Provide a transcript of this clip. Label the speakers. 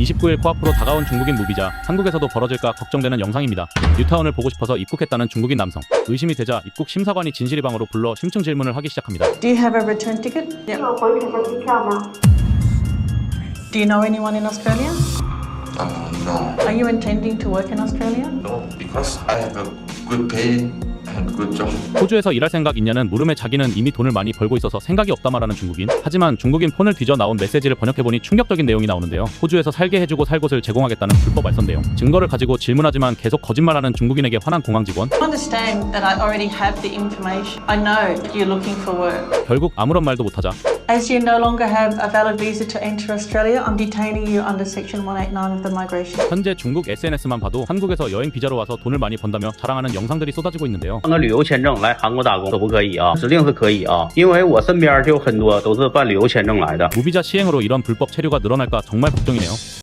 Speaker 1: 29일 코앞으로 다가온 중국인 무비자, 한국에서도 벌어질까 걱정되는 영상입니다. 뉴타운을 보고 싶어서 입국했다는 중국인 남성. 의심이 되자 입국 심사관이 진실이방으로 불러 심층 질문을 하기 시작합니다.
Speaker 2: Do you have a return ticket? Yeah.
Speaker 3: 有回程的机票吗？
Speaker 2: Do you know anyone in Australia?
Speaker 4: No,
Speaker 2: Are you intending to work in Australia?
Speaker 4: no, because I have a good pay and good job.
Speaker 1: 호주에서 일할 생각 있냐는 물음에 자기는 이미 돈을 많이 벌고 있어서 생각이 없다 말하는 중국인. 하지만 중국인 폰을 뒤져 나온 메시지를 번역해보니 충격적인 내용이 나오는데요. 호주에서 살게 해주고 살 곳을 제공하겠다는 불법 알선 내용. 증거를 가지고 질문하지만 계속 거짓말하는 중국인에게 화난 공항 직원.
Speaker 2: Understand that I already have the information. I know you're looking for work.
Speaker 1: 결국 아무런 말도 못하자
Speaker 2: As you no longer have a valid visa to enter Australia, I'm detaining you under Section 189 of the Migration.
Speaker 1: 현재 중국 SNS만 봐도 한국에서 여행 비자로 와서 돈을 많이 번다며 자랑하는 영상들이 쏟아지고 있는데요.
Speaker 5: 办个旅游签证来韩国打工可不可以啊？指定是可以啊，因为我身边就有很多都是办旅游签证来的。
Speaker 1: 무비자 시행으로 이런 불법 체류가 늘어날까 정말 걱정이네요.